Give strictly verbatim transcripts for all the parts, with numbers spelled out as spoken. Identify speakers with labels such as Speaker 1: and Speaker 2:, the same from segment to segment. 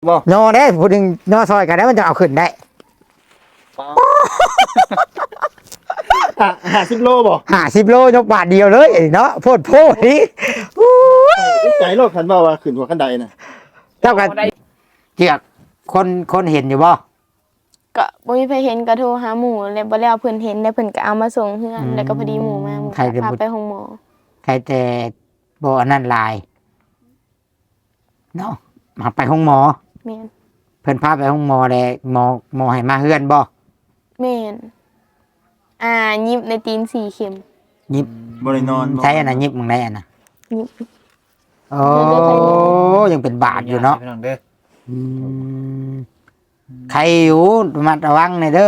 Speaker 1: บ่
Speaker 2: โนได้พูดถึงโนซอยกันได้มันจะเอาขึ้นได้
Speaker 1: ห้าสิบโลบ่
Speaker 2: ห้าสิบโลยกบาทเดียวเลยเนาะโพดโพดนี่
Speaker 1: ใจโลดคันว่าว่าขึ้นหัวคันใดน่ะ
Speaker 2: เจ้ากันเกียกคนคนเห็นอยู่บ่
Speaker 3: ก็บ่มีใครเห็นก็โทรหาหมู่แล้วบ่แล้วเพิ่นเห็นแล้วเพิ่นก็เอามาส่งเฮือนแล้วก็พอดีหมู่มาหมู่พาไปห้องหมอ
Speaker 2: ใครแต่บ่อันนั้นลายเนาะมาไปห้องหมอ
Speaker 3: แม่น
Speaker 2: เพิ่นพาไปห้องหมอแล้วหมอหมอให้มาเฮือนบ่
Speaker 3: แม่นอ่ายิบในตีนสี่เข็ม
Speaker 2: ยิบ
Speaker 1: บ่ได้นอน
Speaker 2: ใช่อันน่ะยิบมึงได้อันน่ะ
Speaker 3: ยิบ
Speaker 2: โอ้ยังเป็นบาดอยู่เนาะอืมใครอยู่ระมัดระวังหน่อยเด้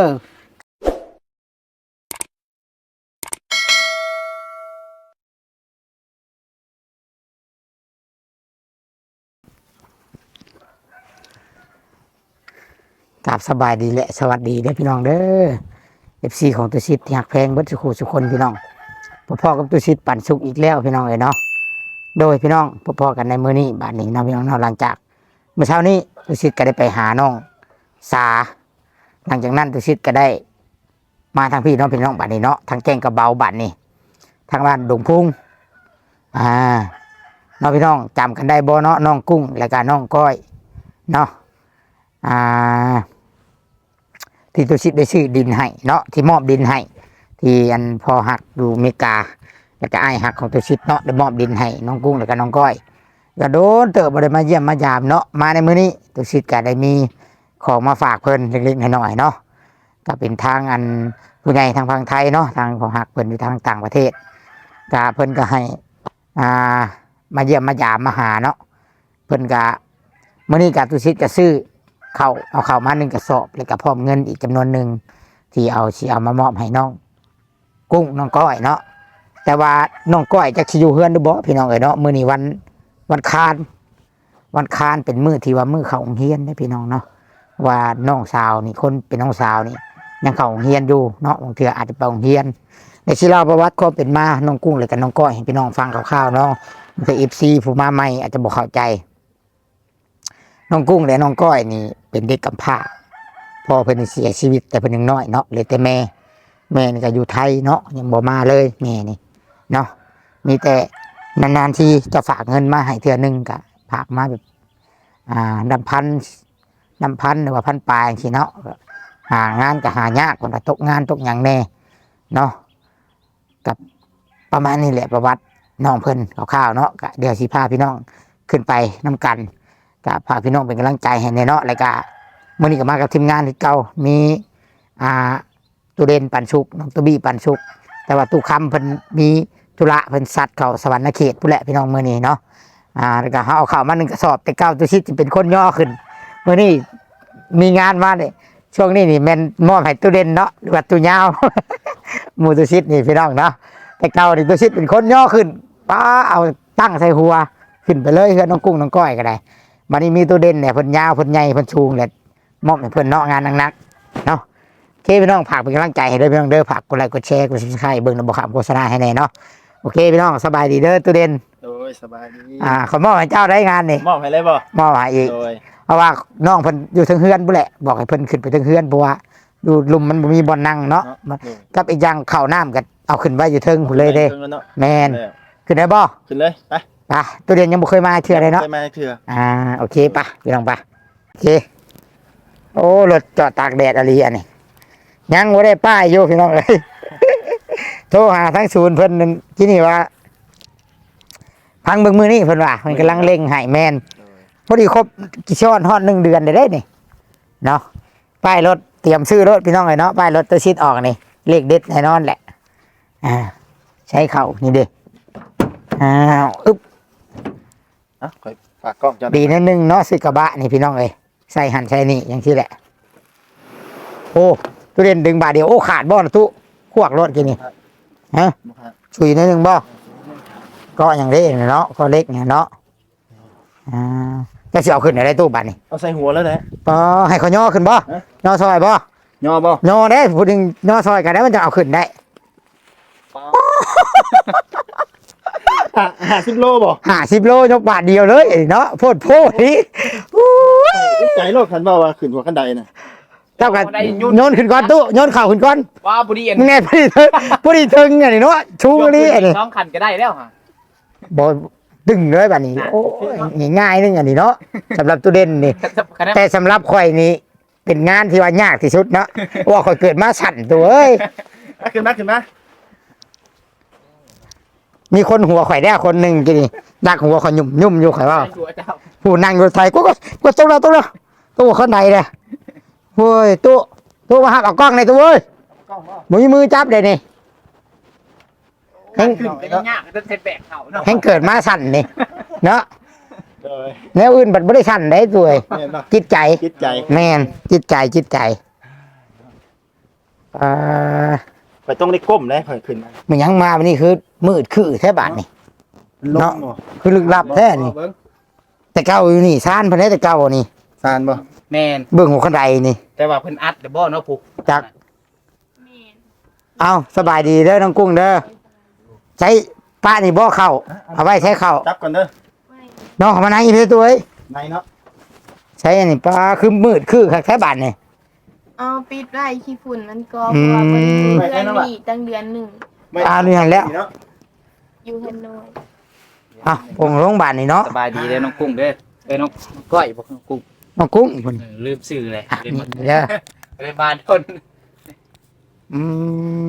Speaker 2: อกราบสบายดีแหละสวัสดีเด้อพี่น้องเด้อ เอฟ ซี ของตุชิตที่หักแพงเบิดสุขุสุคนพี่น้องพ่อๆกับตุชิตปั่นสุกอีกแล้วพี่น้องเอ้ยเนาะโดยพี่น้องพ่อๆกันในมื้อนี้บัดนี้เนาะพี่น้องเนาะหลังจากเมื่อเช้านี้ตุชิตก็ได้ไปหาน้องสาหลังจากนั้นตุชิตก็ได้มาทางพี่น้องพี่น้องบัดนี้เนาะทางแก้งกระเบาบัดนี้ทางบ้านดงพุ่งอ่าน้องพี่น้องจำกันได้บ่เนาะน้องกุ้งและก็น้องก้อยเนาะอ่าที่ตุชิตได้ซื้อดินให้เนาะที่มอบดินให้ที่อันพอหักดูเมกาแล้วก็ไอ้หักของตุชิตเนาะได้มอบดินให้น้องกุ้งแล้วก็น้องก้อยก็โดนเติบบ่ได้มาเยี่ยมมายามเนาะมาในมื้อนี้ตุชิตก็ได้มีของมาฝากเพิ่นเล็กๆน้อยๆเนาะก็เป็นทางอันผู้ใหญ่ทางฝั่งไทยเนาะทางพอหักเพิ่นอยู่ทางต่างประเทศก็เพิ่นก็ให้อ่ามาเยี่ยมมายามมาหาเนาะเพิ่นก็มื้อนี้ก็ตุชิตก็ซื้อเข้าเอาเข้ามาหนึ่งกระสอบแล้วก็พร้อมเงินอีกจำนวนหนึ่งที่เอาสิเอามามอบให้น้องกุ้งน้องก้อยเนาะแต่ว่าน้องก้อยจะสิอยู่เฮือนหรือบ่พี่น้องเอ้ยเนาะมื้อนี้วันวันคานวันคานเป็นมื้อที่ว่ามื้อเข้าโรงเรียนเด้อพี่น้องเนาะว่าน้องสาวนี่คนเป็นน้องสาวนี่ยังเข้าโรงเรียนอยู่เนาะบางเทื่ออาจจะไปโรงเรียนในสิเล่าประวัติความเป็นมาน้องกุ้งแล้วก็น้องก้อยให้พี่น้องฟังคร่าวๆเนาะมันก็ เอฟ ซี ผู้มาใหม่อาจจะบ่เข้าใจน้องกุ้งและน้องก้อยนี่เป็นเด็กกำพร้าพ่อเพิ่นเสียชีวิตแต่เพิ่นยังน้อยเนาะเลยแต่แม่แม่นี่ก็อยู่ไทยเนาะยังบ่มาเลยแม่นี่เนาะมีแต่นานๆทีจะฝากเงินมาให้เทื่อนึงก็ฝากมาแบบอ่านำพันนำพันหรือว่าพันปลายจังซี่เนาะหางานก็หายากคนละตกงานตกหยังแน่เนาะกับประมาณนี้แหละประวัติน้องเพิ่นคร่าวๆเนาะก็เดี๋ยวสิพาพี่น้องขึ้นไปนำกันก็พาพี่น้องเป็นกำลังใจให้ในเนาะแล้วก็มื่อนี้ก็มากับทีมงานที่เก่ามีอ่าตูเด่นปันชุกน้องตูบี้ปันชุกแต่ว่าตู้คำเพิ่นมีธุระเพิ่นสัตว์เขาสวรรค์เขตผู้แหละพี่น้องมื่อนี้เนาะอ่าแล้วก็เขาเอาข่าวมาหนึ่งกระสอบแต่เก้าตัวชิดจะเป็นคนย่อขึ้นมื่อนี้มีงานมาเนี่ยช่วงนี้นี่แมนมอบให้ตูเด่นเนาะหรือว่าตัวยาว หมูตัวชิดนี่พี่น้องเนาะแต่เก้านี่ตัวชิดเป็นคนย่อขึ้นป้าเอาตั้งใส่หัวขึ้นไปเลยเพื่อนน้องกุ้งน้องก้อยก็ได้วันนี้มีตัวเด่นเนี่ยเพิ่นยาวเพิ่นใหญ่เพิ่นชูงเลยมอบให้เพิ่นเนาะงานนักๆเนาะโอเคพี่น้องฝากเป็นกำลังใจให้ด้วยพี่น้องเด้อฝากกดไลค์กดแชร์กดซับสไครบ์เบิ่งระบบข่าวโฆษณาให้แน่เนาะโอเคพี่น้องสบายดีเด้อตัวเด่น
Speaker 1: โดยสบายดี
Speaker 2: อ่าขอมอบให้เจ้าได้งานนี่
Speaker 1: มอบให้เลยบ่
Speaker 2: มอบให้อีก
Speaker 1: โดย
Speaker 2: เพราะว่าน้องเพิ่นอยู่ทั้งเฮือนพุ่นแหละบอกให้เพิ่นขึ้นไปทั้งเฮือนเพราะว่าดูลุมมันบ่มีบ่อนนั่งเนาะกับอีกอย่างข้าวน้ำก็เอาขึ้นไว้อยู่เทิงพุ่นเลยเด้แม่นขึ้นได้บ่
Speaker 1: ขึ้นเลยไป
Speaker 2: ไปตัวเด่นยังบ่เคยมาเทื่อเลยเนาะ
Speaker 1: เคยมาเทื่อ
Speaker 2: อ่าโอเคปะพี่น้องปะโอเคโอ้รถจอดตากแดดอะไรอันนี้ยังไม่ได้ป้ายอยู่พี่น้องเลย โทรหาทั้งศูนย์เพิ่นที่นี่ว่าพังเบิ่งมือนี่เพิ่นว่ามันกำลังเร่งให้แมนพอดีครบกี่ช้อนฮอดหนึ่งเดือนได้ได้นี่เนาะป้ายรถเตรียมซื้อรถพี่น้องเลยเนาะป้ายรถตัวชิดออกนี่เลขเด็ดแน่นอนแหละอ่าใช้เข่านี่เด้อ้าวอึ๊บ
Speaker 1: อ่ะค่อยฝากกล้องจัง
Speaker 2: ดีนิดนึงเนาะซื้อกระบะนี่พี่น้องเอ้ยใส่หันใส่นี่อย่างที่แหละโอ้ตู้เล่นดึงบาทเดียวโอ้ขาดบ่นะตู้ขวกรถกินนี่ฮะชุยนิดนึงบ่ก็อย่างเล็กเนาะก็เล็กเนี่ยเนาะอ่าจะเสียขึ้นอะไรตู้บาทนี่
Speaker 1: เอาใส่หัวแล้วแหละ
Speaker 2: อ๋อให้เขาย่อขึ้นบ่ย่อซอยบ่
Speaker 1: ย่อบ่
Speaker 2: ย่อได้พูดถึงย่อซอยกันได้มันจะเอาขึ้นได้
Speaker 1: ห้าสิบโลบ่
Speaker 2: ห้าสิบโลยกบาทเดียวเลยเนาะโพดโพดนี่
Speaker 1: อุ๊ยใจโลกคันว่าว่าขึ้นหัวกันไดน่ะ
Speaker 2: เจ้ากันโยนขึ้นก่อนตู้โยนเข่าขึ้นก่อน
Speaker 4: ว้าบุรีเอ็น
Speaker 2: มึงไงพอดีถึงพอดีถึงอันนี้เนาะชูนี่อันนี้
Speaker 4: น้องขันก็ได้แล้วฮะ
Speaker 2: บ่ดึงเลยบัดนี้โอ้ยง่ายๆนึงอันนี้เนาะสำหรับตู้เด่นนี่ แต่สำหรับข่อยนี่เป็นงานที่ว่ายากที่สุดเนาะว่าข่อยเกิดมาสั่นตัวเอ้ย
Speaker 1: มาขึ้นมาขึ้นมา
Speaker 2: มีคนหัวข่อยได้คนหนึ่งกี่นี่ดักหัวข่อยยุ่มยุ่มอยู่ข่อยว่า
Speaker 4: หัวเจ้า
Speaker 2: ผู้นั่งอยู่ไทยกูก็กูตู้เราตู้เราตู้ข้างในเลยโว้ยตู้ตู้มาหักเอากล้องในตู้เว้ยมือมือจับเลยนี่แห้ง
Speaker 4: ขึ้นไปยากๆจะเซ็ตแบกเขาเนาะ
Speaker 2: แห้งเกิดมาสั่นนี่เนาะ
Speaker 1: โดย
Speaker 2: แนวอื่นบัดไม่ได้สั่นได้ตัวเอง
Speaker 1: แม่นบ่
Speaker 2: จิตใจ
Speaker 1: คิดใจ
Speaker 2: แมนจิตใจจิตใจอ่า
Speaker 1: ข่อยต้องได้ก้มได้ข่อยขึ้นมา
Speaker 2: มันยังมาวันนี้คือมืดคือแท้บาทนี่
Speaker 1: ลง
Speaker 2: เนาะ
Speaker 1: บ่
Speaker 2: คือลึกลับแท้นี่
Speaker 4: เบิ่ง
Speaker 2: แต่เก้าอยู่นี่ซ่านเพันได้แต่เก้านี่
Speaker 1: ซานบ่
Speaker 4: แมน
Speaker 2: เบื้องหัวขันไดนี่
Speaker 4: แต่ว่าเพิ่นอัดเดบ่เนาะผูก
Speaker 2: จักเอาสบายดีเด้อน้องกุ้งเด้อใช้ป้านี่บ่เข้าเอาไว้ใช้เข้า
Speaker 1: จับก่อนเด้อ
Speaker 2: น้องเขามานั่งอีเพื่อตัวเอ้ย
Speaker 1: ในเนาะ
Speaker 2: ใช้อันนี้ป้าคือมืดคือแค่บาทนี่
Speaker 3: เอาปิดไว้ขี้ฝุ่นมันก็
Speaker 2: อื
Speaker 3: เพ
Speaker 2: ม
Speaker 3: ราะว่าเพิ่นอยู่เดือนนี้ตั้งเดือนหนึ่ง
Speaker 1: ไม่
Speaker 2: อ่านี่หันแล้ว
Speaker 1: เนาะ
Speaker 3: อยู่เฮนอย
Speaker 2: เอ่ะปงโรงพยาบาลนี่เนาะ
Speaker 4: สบายดีเด้อน้องกุ้งเด้อเอ้ยน้องก้อยบอกน้องกุ้ง
Speaker 2: น้องกุ้งคน
Speaker 4: เออลืมชื่อเลย
Speaker 2: อ่ะ
Speaker 4: เรียน
Speaker 2: นี่เด้อ
Speaker 4: เรียนบ้านทน
Speaker 2: อืม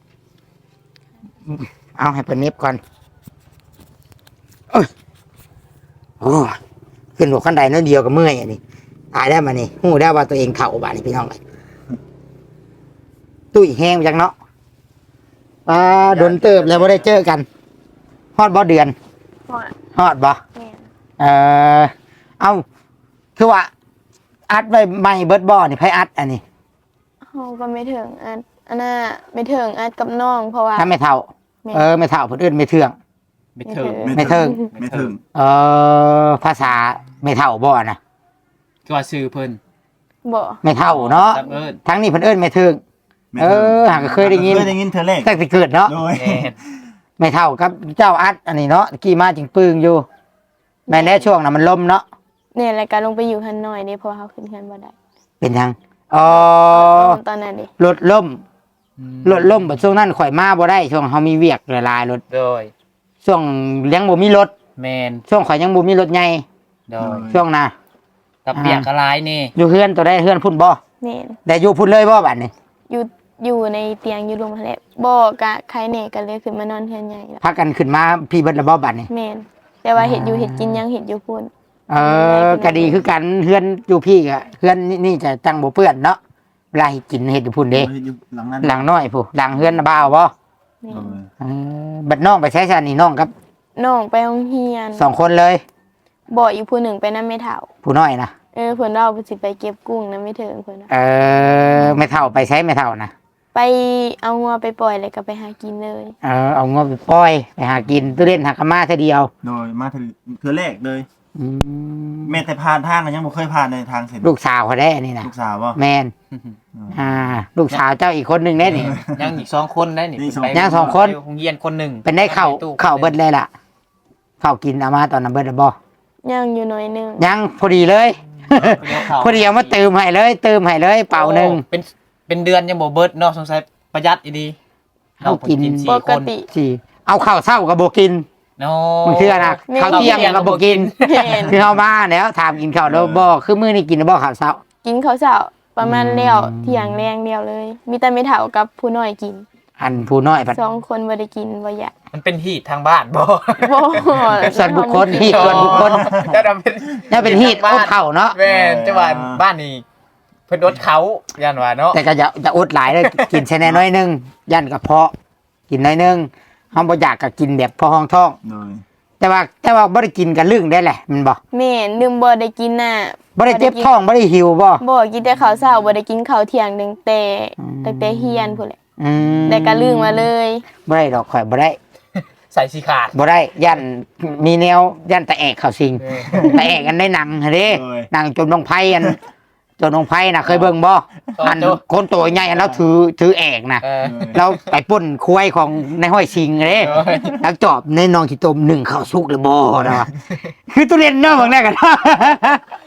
Speaker 2: เอาให้เป็นเน็บก่อนโอ้ยโอ้ยขึ้นหัวขันไดน้อยเดียวก็เมื่อยอันนี้ตายได้มานี่หูได้ว่าตัวเองเข่าบาดนี่พี่น้องเลยตุ้ยแห้งจังเนาะอ่าโดนเติบแล้วไม่ได้เจอกันฮอดบ่เดือน
Speaker 3: เพราะ
Speaker 2: ฮอดบ่
Speaker 3: แม่น
Speaker 2: เออเอาคือว่า อัดไว้ไม่เบิดบ่อนี่ไผอัดอันนี้
Speaker 3: เฮาก็ไม่ถึงอันอันน่ะไม่ถึงอัดกับน้องเพราะว่า
Speaker 2: ถ้าไม่เท่า
Speaker 3: แม่น
Speaker 2: เออไม่เท่าเพิ่นเอิ้นไม่เทื่อง
Speaker 4: ไม่เถิง
Speaker 2: ไม่เทิง
Speaker 1: ไม่ถึง
Speaker 2: เออภาษาไม่เท่าบ่นะ
Speaker 4: ก็ว่าชื่อเพิ่น
Speaker 3: บ่
Speaker 2: ไม่เท่าเนาะ
Speaker 4: จำเอิ้น
Speaker 2: ทั้งนี้เพิ่นเอิ้นไม่เทิง
Speaker 1: ไม่
Speaker 2: เอ
Speaker 1: ถึง
Speaker 2: อหากเคยได้ยิน
Speaker 1: เคยได้ยินเธอแรก
Speaker 2: ตั้งแต่เกิดเนาะ
Speaker 1: โดย
Speaker 4: แม่น
Speaker 2: ไม่เท่ากับเจ้าอัดอันนี้เนาะกี่มาจึงปึงอยู่แม่นแน่ช่วงน่ะมันลมเนาะ
Speaker 3: เนี่ยรายการลงไปอยู่เฮนอยนี่เพราะว่าเฮาขึ้นเฮือนบ่ได้
Speaker 2: เป็นยังอ๋อ
Speaker 3: ตอนนั้นดิ
Speaker 2: รถล่มรถล่มบัดช่วงนั้นข่อยมาบ่ได้ช่วงเฮามีเวียกหลายๆรถ
Speaker 4: โดย
Speaker 2: ช่วงยังบ่มีรถ
Speaker 4: แมน
Speaker 2: ช่วงข่อยยังบ่มีรถใหญ่
Speaker 4: โดย
Speaker 2: ช่วงน่ะ
Speaker 4: กับเปียกกระลายนี่
Speaker 2: อยู่เฮือนตัวได้เฮือนพุ่นบ่
Speaker 3: แม่น
Speaker 2: ได้อยู่พุ่นเลยบ่บัดนี้
Speaker 3: อยู่อยู่ในเตียงอยู่โรงพยาบาลแหละบ่กะใครแหน่กันเลยขึ้นมานอนเฮือนใหญ่ละ
Speaker 2: พากันขึ้นมาพี่เบิดแล้วบ่บัดนี้
Speaker 3: แม่นแต่ว่าเฮ็ดอยู่เฮ็ดกินยังเฮ็ดอยู่พุ่น
Speaker 2: เออก็ดีคือกันเฮือนอยู่พี่ก็เฮือนนี่นี่จะจังบ่เปื้อนเนาะเวลาให้กินเฮ็ดอยู่พุ่นเด้
Speaker 1: อยู่หลังนั้น
Speaker 2: หลังน้อยผู้หลังเฮือนน่ะบ่าวบ่
Speaker 3: แม่
Speaker 1: โด
Speaker 3: น
Speaker 1: ย
Speaker 2: เออบัดน้องไปใช้ซะนี่น้องครับ
Speaker 3: น้องไปโรงเรียน
Speaker 2: สองคนเลย
Speaker 3: บ่อีกผู้หนึ่งไปนำแม่เฒ่า
Speaker 2: ผู้น้อยนะ
Speaker 3: เออเพิ่นเราสิไปเก็บกุ้งนำไม่ถึงเพิ่นน่ะ
Speaker 2: เออไม่เท่าไปใช้ไม่เท่านะ
Speaker 3: ไปเอางัวไปปล่อยแล้วก็ไปหากินเลย
Speaker 2: เออเอางบไปปล่อยไปหากินตู้เล่นหากะมาเท่าเดียว
Speaker 1: โดยมาถึงเธอแรกเลย
Speaker 2: อืม
Speaker 1: แม่แต่ผ่านทางก็ยังบ่เคยผ่านในทางเส้น
Speaker 2: ลูกสาวเขาได้อันนี่นะ
Speaker 1: ลูกสาวบ่
Speaker 2: แมนอ่า ลูกสาวเจ้าอีกคนหนึ่งได้นี่
Speaker 4: ยังอีกสองคนได้นี่
Speaker 1: นี่สอง
Speaker 4: ไป
Speaker 2: ยังสองคน
Speaker 4: ไปโรงเรียนคนหนึ่ง
Speaker 2: เป็นได้เข่าเข่าเบิดเลยล่ะเข่ากินเอามาตอนนั้นเบิดแล้วบ่
Speaker 3: ย่างอยู่หน่อยหนึง
Speaker 2: ยังพอดีเลย
Speaker 4: เดี๋ยวเข้า
Speaker 2: พอดีเอามาเติมให้เลย เติมให้เลยเป่าหนึ่ง
Speaker 4: โอ้เป็นเป็นเดือนยังบ่เบิดเนาะสงสัยประหยัดอีดี
Speaker 2: เอากิน
Speaker 4: สี่
Speaker 3: ป
Speaker 4: ค
Speaker 3: ก
Speaker 4: น
Speaker 3: ติ
Speaker 2: สี่เอาข้าวเศร้ากับโบกิน
Speaker 4: เนาะ
Speaker 2: มันคืออะไรข้าวเที่ยงกับโบกิน
Speaker 3: แม่น
Speaker 2: คือเอามาแล้วถามกินข้าวแล้วบ่คือมื้อนี้กินแล้วบ่ข้าวเช้า
Speaker 3: กินข้าวเช้าประมาณ
Speaker 2: อืม
Speaker 3: แล้วเที่ยงแรงเดียวเลย มีแต่ไม่เฒ่ากับผู้น้อยกิน
Speaker 2: อันผู้น้อยผัด
Speaker 3: สองคนบ่ได้กินบ่อยาก
Speaker 4: มันเป็นฮีตทางบ้านบ่
Speaker 3: บ่
Speaker 2: ส่วนบุคคลฮีตส่วนบุคคล
Speaker 4: จะทำเป็น
Speaker 2: นี่เป็นฮีตอบเข่าเนาะ
Speaker 4: แม่นจังหวัดบ้านนี้เพิ่นรถเขาย่านว่าเนาะ
Speaker 2: แต่ก็จะจะอดหลายเลย กินแค่น้อยๆนึงยันกระเพาะ กินน้อยนึงเฮาบ่อยากก็กินแบบพอห้องท้อง
Speaker 1: โดย
Speaker 2: แต่ว่าแต่ว่าบ่ได้กินกันลึงได้แหละแมันบ่
Speaker 3: แม่นลืมบ่ได้กินน่ะ
Speaker 2: บ่ได้เจ็บท้องบ่ได้หิวบ่
Speaker 3: บ่กินแต่ข้าวเช้าบ่ได้กินข้าวเที่ยงตั้งแต่
Speaker 2: อืม
Speaker 3: ตั้งแต่เฮียนพุ่นแหละ
Speaker 2: อืม
Speaker 3: แต่ก็ลืมมาเลย
Speaker 2: บ่ได้ดอกข่อยบ่ได้
Speaker 4: ใส่สีขาด
Speaker 2: บ่ได้ยันมีแนวยันตะแอกเข้าสิง
Speaker 4: เออ
Speaker 2: ตะแอกกันได้หนังหั่นเด้หนังจมลงไผอันจมลงไผน่ะเคยเบิ่งบ่อันคนตัวใหญ่อันแล้วถือถือแอกน่ะ
Speaker 4: เออ
Speaker 2: เราไปปล้นควายของในห้อยชิงเด้
Speaker 4: เออ
Speaker 2: แล้วจอบในนองขี้ตมหนึ่งข้าวสุกเลยบ่นะวะคือตุเรียนเนาะบางแรกกัน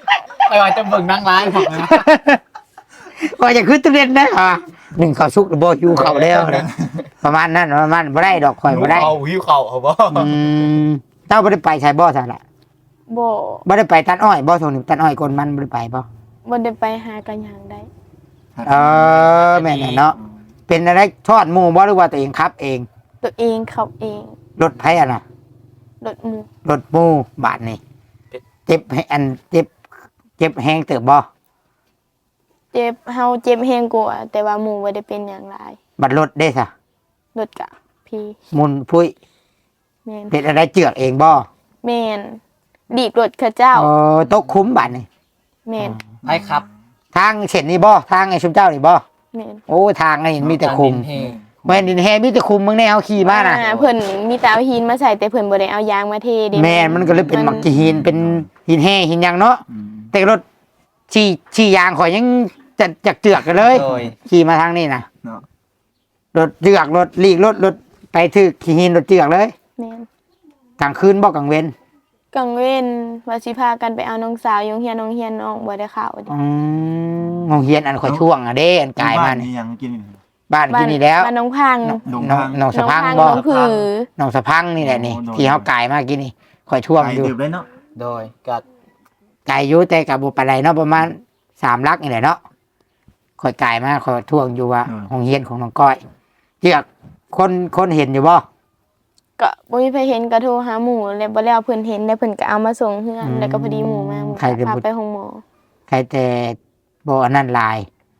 Speaker 4: ไปว่าจะเบิ่งนั่งร้านของนะ
Speaker 2: ว่าจะขึ้นตุเรียนนะอ่ะหนึ่งเขาสุกหรือบ่อยู่เขาแล้วนะประมาณนั้นประมาณบ่ได้ดอกข่อยบ่ได้
Speaker 4: เขาหิวเขาเขาบ่
Speaker 2: อืมเจ้าบ่ได้ไปใช้บ่ซั่นล่ะ
Speaker 3: บ่
Speaker 2: บ่ได้ไปตัดอ้อยบ่ส่งนี่ตัดอ้อยคนมันบ่ได้ไปบ่
Speaker 3: บ่ได้ไปหากันหยังได้
Speaker 2: เออแม่นเนาะเป็นอะไรทอดหมู่บ่หรือว่าตัวเองขับเอง
Speaker 3: ตัวเองขับเอง
Speaker 2: รถไผอ่ะน่ะ
Speaker 3: รถหมู่
Speaker 2: รถหมู่บาดนี่เจ็บให้อันเจ็บเจ็บแฮงเติบบ่
Speaker 3: เจ็บเฮาเจ็บแฮงกว่าแต่ว่าหมู่บ่ได้เป็นหยังหลาย
Speaker 2: บัดรถเด้ซะ
Speaker 3: รถกะพี่
Speaker 2: มุนพุ้ย
Speaker 3: แม่น
Speaker 2: เป็นอะไรเจือกเองบ่
Speaker 3: แม่นดีบรถเขาเจ้า
Speaker 2: เออตกคุ้มบาดนี่
Speaker 3: แม่น
Speaker 4: ไอ้ครับ
Speaker 2: ทางเส้นนี่บ่ทางไอ้ชุมเจ้านี่บ่
Speaker 3: แม่น
Speaker 2: โอ้ทางนี่มีแต่คุม
Speaker 4: เฮ
Speaker 2: แม่นดินแฮมีแต่คุมมึงแน่เอาขี่มาน่ะ
Speaker 3: อ่เพิ่นมีแต่เอาหินมาใส่แต่เพิ่นบ่ได้เอายางมาเทเด้
Speaker 2: แม่นมันก็เลยเป็นหมักจีหินเป็นหินแห่หินหยังเนาะ
Speaker 1: อืม
Speaker 2: แต่รถขี่ขี่ยางข่อยยังจะจักเจือกกันเลย
Speaker 4: โดย
Speaker 2: ขี่มาทางนี้นะ
Speaker 1: เนาะ
Speaker 2: รถเจือกรถลีกรถรถไปถือขี่หินรถเจือกเลย
Speaker 3: แม่น
Speaker 2: กลางคืนบ่กลางเว้น
Speaker 3: กังเว้นว่าสิพากันไปเอาน้องสาวอยู่โรงเรียนน้องเรียนน้องบ่ได้เข้าเด้
Speaker 2: อืมโรงเรียนอันข่อยช่วงอ่ะเด้อันกายมา
Speaker 1: บ้าน
Speaker 2: นี่
Speaker 1: นี่ยังกินนี่
Speaker 2: บ้านที่นี่แล้ว
Speaker 3: บ้านน้องพัง
Speaker 1: ดง
Speaker 2: น้อง
Speaker 1: ทาง
Speaker 2: น้องสะพัง
Speaker 3: น้
Speaker 2: บ่
Speaker 3: องผือ
Speaker 2: น้องสะพังนี่แหละนี่
Speaker 1: โอ้โดน
Speaker 2: ที่เฮากายมากินนี่ข่อยช่วง
Speaker 1: ไกล
Speaker 2: อยู่
Speaker 1: เดือบได้เนาะ
Speaker 4: โดยกัด
Speaker 2: กายอยู่แต่กับบ่ปานใดเนาะประมาณสามลักนี่แหละเนาะข่อยกายมาข่อยท่วงอยู่ว่าโรงเรียนของน้องก้อยเจือกคนคนเห็นอยู่บ่
Speaker 3: ก็บ่มีไผเห็นก็โทรหาหมู่แล้วบ่แล้วเพิ่นเห็นแล้วเพิ่นก็เอามาส่งเฮือนแล้วก็พอดีหมู่มาหมู่ก็พาไปห้องหมอ
Speaker 2: ใครแต่บ่อันนั้นลาย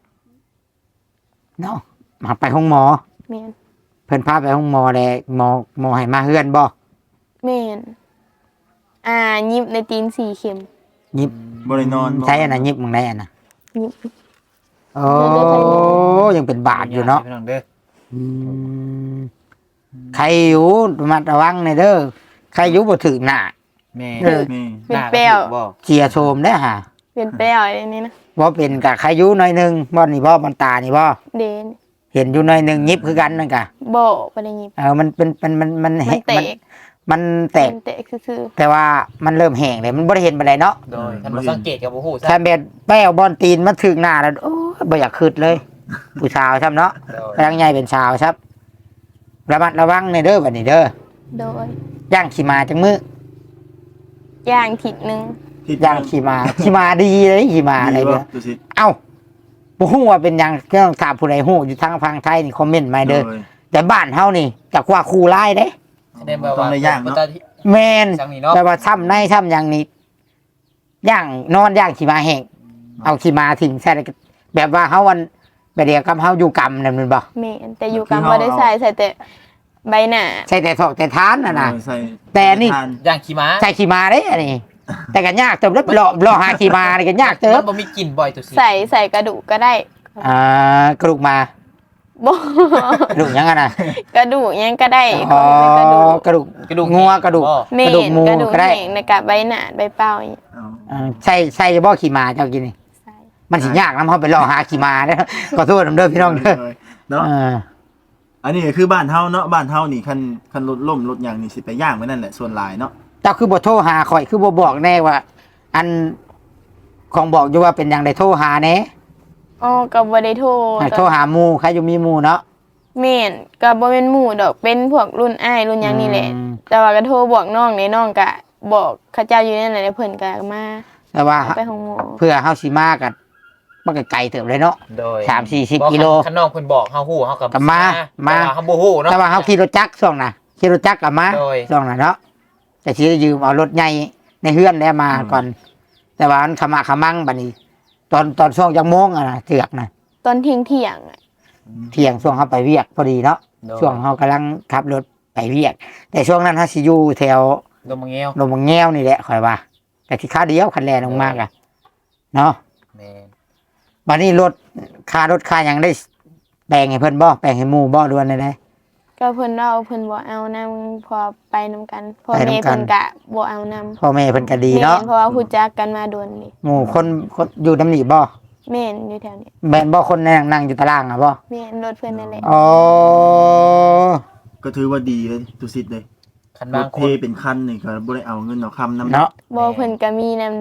Speaker 2: เนาะมาไปห้องหมอ
Speaker 3: แม่น
Speaker 2: เพิ่นพาไปห้องหมอเลยหมอหมอให้มาเฮือนบ่
Speaker 3: แม่นอ่ายิบในตีนสี่เข็ม
Speaker 2: ยิบ
Speaker 1: บ่ได้นอนบ่
Speaker 2: ใช้อันนั้นยิบมึงได้อันน่ะ
Speaker 3: ยิบ
Speaker 2: โอ้ยังเป็นบาดอยู่เนาะ
Speaker 4: พี่น้องเด้อ
Speaker 2: อืมใครอยู่ระมัดระวังในอยเด้อใครอยู่บ่ถึงหน้า
Speaker 4: แม่
Speaker 2: เออ
Speaker 1: นี่
Speaker 3: เป็นแป้ว
Speaker 4: บ่
Speaker 2: เสียโทมได้อห่า
Speaker 3: เป็นแป้วอะไรนี่นะ
Speaker 2: บ่เป็นกะใครอยู่หน่อยหนึงบ่นี่บ่มันตานี่บ่
Speaker 3: เดน
Speaker 2: เห็นอยู่หน่อยหนึงยิบคือกันนั่นกะ
Speaker 3: บ่บ่ได้ยิบ
Speaker 2: เออมันเป็นมันมันมัน
Speaker 3: มัน
Speaker 2: แหะ
Speaker 3: แต
Speaker 2: มัน
Speaker 3: ก
Speaker 2: มันแตก
Speaker 3: มันแตกซื่อ
Speaker 2: แต่ว่ามันเริ่มแห้งเลยมันบ่ได้เห็นปานใดเนาะ
Speaker 4: โดยท่านบ่สังเกตกับบ่ฮู้ซะ
Speaker 2: ถ้าเบ็ดแป้วบอลตีนมันถึงหน้าแล้วโอ้ยบ่อยากขึ้นเลย ผู้สาวครับเนาะ
Speaker 4: โดย
Speaker 2: กำลังใหญ่เป็นสาวครับระมัดระวังในเด้อบัดนี้เด้อ
Speaker 3: ๆโดย
Speaker 2: ย่างขี่มาจังมือย่าง
Speaker 3: ทิศหนึง
Speaker 1: ที่
Speaker 2: ย่างขี่มาขี่มาดีเลยขี่มาอะไร
Speaker 1: ดีบ่
Speaker 2: เด้อ
Speaker 1: ดูสิ
Speaker 2: เอ้าบ่ฮู้ว่าเป็นหยังก็ต้องถามผู้ใดฮู้อยู่ทางพังไทยนี่คอมเมนต์มาเด้อ
Speaker 1: โดย
Speaker 2: แต่บ้านเฮานี่จักว่าคู่ร้ายเด้
Speaker 4: แสดงว่า
Speaker 1: ต้องได้ย่างเนาะ
Speaker 2: แม่น
Speaker 4: จังนี้เนาะ
Speaker 2: แต่ว่าซ้ำในซ้ำหยังนี่ย่างนอนย่างขี่มาแห้งเอาขี่มาทิ้งใส่แล้วก็แบบว่าเฮาวันแบบเดียวกับเฮาอยู่กรรมนั่นแม่นบ่
Speaker 3: แม่นแต่อยู่กันบ่ได้ใส่ใส่แต่ใบหน้า
Speaker 2: ใช่แต่ถอกแต่ทานน่ะนะ
Speaker 1: เออใส่
Speaker 2: แต่นี่
Speaker 1: ทา
Speaker 4: ย่างขี่ม้า
Speaker 2: ใช่ขี่มาได้อันนี้ แต่ก็ยากเติมแล้วรอรอหาขี่มานี่ก็ยากเติ
Speaker 4: มั
Speaker 2: ม
Speaker 4: นบ่มีกลิ่นบ่อยตัวสิ
Speaker 3: ใส่ใส่กระดูกก็ได้
Speaker 2: อ่ากระดูกมา
Speaker 3: บ่
Speaker 2: กระดูกยังไงนะ
Speaker 3: กระดูกหยังก็ได้
Speaker 2: อ๋อ
Speaker 3: ขอเป็นกระดูก
Speaker 2: กระดูกงัวกระดูก
Speaker 4: บ่
Speaker 3: แม่
Speaker 2: กระดูก
Speaker 3: น
Speaker 2: หมู
Speaker 3: กระดูก
Speaker 2: ก็ได้
Speaker 3: แห้งในกะใบหน้าใบเป้าอย่างเงี้ย
Speaker 1: เอา
Speaker 2: อ่าใช่ใช่บ่ขี่มาเจ้ากินนี่
Speaker 3: ใส่
Speaker 2: มันสิยากนำเฮาไปรอหาขี่มาเด้อขอโทษนำเด้อพี่น้องเด้อ
Speaker 1: เนาะ
Speaker 2: เออ
Speaker 1: อันนี้ก็คือบ้านเฮาเนาะบ้านเฮานี่คันคันรถล่มรถหยังนี่สิไปย่างไว้นั่นแหละส่วนหลายเนาะ
Speaker 2: เจ้าคือบ่โทรหาข่อยคือบ่บอกแน่ว่า อันของบอกอยู่ว่าเป็นหยังได้โทรหาแน่
Speaker 3: อ๋อก็บ่ได้โทร
Speaker 2: ให้โทรหาหมู่ใครอยู่มีหมู่เนาะ
Speaker 3: แม่นก็บ่เป็นหมู่ดอกเป็นพวกรุ่นอ้ายรุ่นหยังนี่แหละ
Speaker 2: อืม
Speaker 3: แต่ว่าก็โทรบอกน้องนี่น้องก็บอกเขาเจ้าอยู่นั่นแหละแล้วเพิ่นก็มา
Speaker 2: แต่ว่า
Speaker 3: เอาไปห้องหมอ
Speaker 2: เพื่อเฮาสิมากันมันก็ไกลเติบเลยเนาะ
Speaker 4: โดย
Speaker 2: สามสี่สิบ
Speaker 4: บ่
Speaker 2: กิโล
Speaker 4: ข้างนอกเพิ่นบอกเฮาฮู้เฮากับ
Speaker 2: ก็มามา
Speaker 4: แต่ว่เฮาบ่ฮู้เนาะ
Speaker 2: แต่ว่าเขาขี่รถจักรช่วงน่ะขี่รถจักรกลับมา
Speaker 4: โดย
Speaker 2: ช่วงน่ะเนาะแต่ที่ยืมเอารถใหญ่ในเฮือนแล้วมาก่อน แต่ว่ามันขมาขมังบัดนี้ ตอนตอนช่วงจังโมงอะนะเถือกน่ะ
Speaker 3: ตอนเที่ยงเที่ยงๆอะ
Speaker 2: เที่ยงช่วงเขาไปเวียกพอดีเนาะ
Speaker 4: โดย
Speaker 2: ช่วงเขากำลังขับรถไปเวียก แต่ช่วงนั้นเขาสิอยู่แถว
Speaker 4: ดมมะเงี้ยว
Speaker 2: ลมแง้วนี่แหละคอยว่า แต่ที่ข้าวเดียวคันแลนลงมากอะเนาะ
Speaker 4: แม่น
Speaker 2: บัดนี้รถค่ารถค่าหยังได้แบ่งให้เพิ่นบ่แบ่งให้หมู่บ่ด่วนได้
Speaker 3: ก็เพิ่นเอาเพิ่นบ่เอานํพอไปนำกันพ่อ
Speaker 2: ไปนำกัน
Speaker 3: แม่เพิ่นก็บ่เอานํ
Speaker 2: พ่อแม่เพิ่นก็ดีเนาะ
Speaker 3: แม่เพราะว่าฮู้จักกันมาโดนนี่
Speaker 2: หมู่คนคนอยู่น้ำหนีบ่
Speaker 3: แม่นอยู่แถวนี้
Speaker 2: แม่นบ่คนนั่งนั่งอยู่ตารางอ่ะบ่
Speaker 3: แม่นรถเพิ่นนั่นแหละ
Speaker 2: อ๋อ
Speaker 1: ก็ถือว่าดีเลยตุสิทธิ์เลย
Speaker 4: คัน
Speaker 1: ร
Speaker 4: บาง
Speaker 1: ถ
Speaker 4: ค
Speaker 1: เท
Speaker 4: น
Speaker 1: เป็นคันนี่ก็บ่ได้เอาเงินเอาคำนำ
Speaker 2: เนาะ
Speaker 3: บ่เพิ่นก็มีนำเด